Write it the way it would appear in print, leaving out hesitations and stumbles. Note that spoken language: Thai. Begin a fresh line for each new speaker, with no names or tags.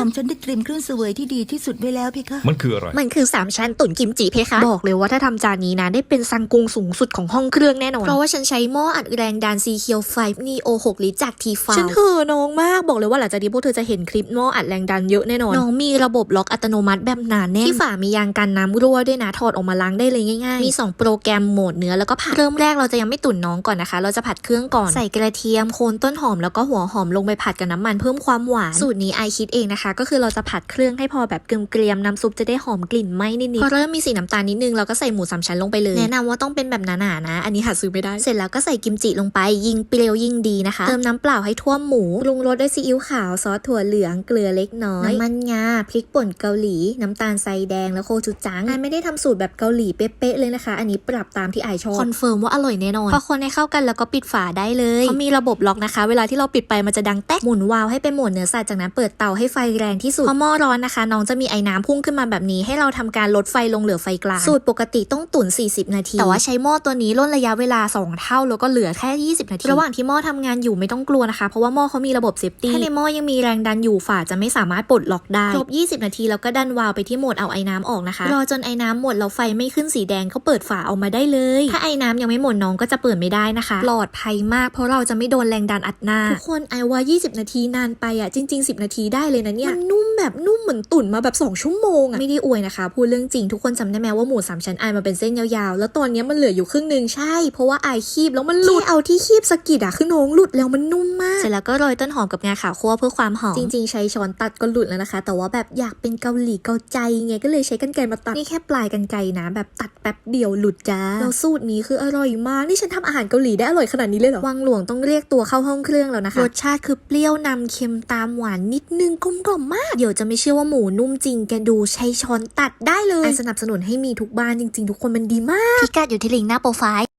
ของฉันได้เตรียมเครื่องเสวยที่ดีที่สุดไว้แล้วเพคะ
มันคืออะไร
มันคือ3ชั้นตุ๋นกิมจิเพคะบอกเลยว่าถ้าทำจานนี้นะได้เป็นซังกุงสูงสุดของห้องเครื่องแน่นอนเพราะว่าฉันใช้หม้ออัดแรงดันซีเคียว5 Neo 6 ลิตรจากทีฟาฉันเห่อน้องมากบอกเลยว่าหลังจากนี้พวกเธอจะเห็นคลิปหม้ออัดแรงดันเยอะแน่นอนน้องมีระบบล็อกอัตโนมัติแบบหนาแน่นที่ฝามียางกันน้ำรั่วด้วยนะถอดออกมาล้างได้เลยง่ายๆมี2โปรแกรมโหมดเนื้อแล้วก็ผัดเริ่มแรกเราจะยังไม่ตุ๋นน้องก่อนนะคะเราจะผัดเครื่องก่อนใส่กระเทียมโคนต้นหอมแล้วก็หัวหอมลงไปผัดกับน้ำมันเพิ่มความหวานสูตรนี้ไอคิดเองนะคะก็คือเราจะผัดเครื่องให้พอแบบเกรียมๆน้ำซุปจะได้หอมกลิ่นไหม้นิดๆพอเริ่มมีสีน้ำตาลนิดนึงเราก็ใส่หมู3ชั้นลงไปเลยแนะนำว่าต้องเป็นแบบหนาๆนะอันนี้หาซื้อไม่ได้เสร็จแล้วก็ใส่กิมจิลงไปยิ่งเปรี้ยวยิ่งดีนะคะเติมน้ำเปล่าให้ท่วมหมูปรุงรสด้วยซีอิ๊วขาวซอสถั่วเหลืองเกลือเล็กน้อยน้ำมันงาพริกป่นเกาหลีน้ำตาลทรายแดงแล้วโคชูจังไอไม่ได้ทำสูตรแบบเกาหลีเป๊ะๆเลยนะคะอันนี้ปรับตามที่ไอชอบคอนเฟิร์มว่าอร่อยแน่นอนพอคนให้เข้ากันแล้วก็ปิดฝาได้เลยเขามีระบบล็อกนะคะเวลาที่เราปิดไปมันจะดังแต๊กหมุนวาล์วให้เป็นโหมดเนื้อสัตว์จากนั้นเปิดเตาให้ไฟแรงที่สุดพอหม้อร้อนนะคะน้องจะมีไอ้น้ำพุ่งขึ้นมาแบบนี้ให้เราทำการลดไฟลงเหลือไฟกลางสูตรปกติต้องตุ๋น40 นาทีแต่ว่าใช้หม้อตัวนี้ลดระยะเวลา2 เท่าแล้วก็เหลือแค่20 นาทีระหว่างที่หม้อทำงานอยู่ไม่ต้องกลัวนะคะเพราะว่าหม้อเขามีระบบเซฟตี้ถ้าในหม้อยังมีแรงดันอยู่ฝาจะไม่สามารถปลดล็อกได้ครบ20 นาทีแล้วก็ดันวาล์วไปที่โหมดเอาไอ้น้ำออกนะคะรอจนไอ้น้ำหมดแล้วไฟไม่ขึ้นสีแดงเขาเปิดฝาออกมาได้เลยถ้าไอ้น้ำยังไม่หมดน้องก็จะเปิดไม่ได้นะคะปลอดภัยมากเพราะเราจะไม่โดนแรงดันอัดหน้าทุกคนไอว่า20 นาทีนานไปอ่ะจริงๆ10 นาทีได้เลยนะเนี่ยมันนุ่มแบบนุ่มเหมือนตุ๋นมาแบบ2 ชั่วโมงอ่ะไม่ได้อวยนะคะพูดเรื่องจริงทุกคนจำได้ไหมว่าหมู3 ชั้นไอมาเป็นเส้นยาวๆแล้วตอนนี้มันเหลืออยู่ครึ่งนึงใช่เพราะว่าไอคีบแล้วมันหลุดเอาที่คีบสะกิดอ่ะคือน้องหลุดแล้วมันนุ่มมากเสร็จแล้วก็โรยต้นหอมกับงาขาวคั่วเพื่อความหอมจริงๆใช้ช้อนตัดก็หลุดแล้วนะคะแต่ว่าแบบอยากเป็นเกาหลีเกาใจไงก็เลยใช้กรรไกรมาตัดนี่แค่ปลายกรรไกรนะแบบตัดแป๊บเดียวหลุดจ้าแล้วสูตรนี้คืออร่อยมากนี่ฉันทำอาหารเกาหลีได้อร่อยขนาดนี้เลยเหรอวังหลวงต้องเรียกตัวเข้าห้องเครื่องแล้วนะคะรสชาติคือเปรี้ยวนำเค็มตามหวานนิดนึงกลมกล่อมมากเดี๋ยวจะไม่เชื่อว่าหมูนุ่มจริงแกดูใช้ช้อนตัดได้เลยสนับสนุนให้มีทุกบ้านจริงๆทุกคนมันดีมากพิกัดอยู่ที่ลิงก์หน้าโปรไฟล์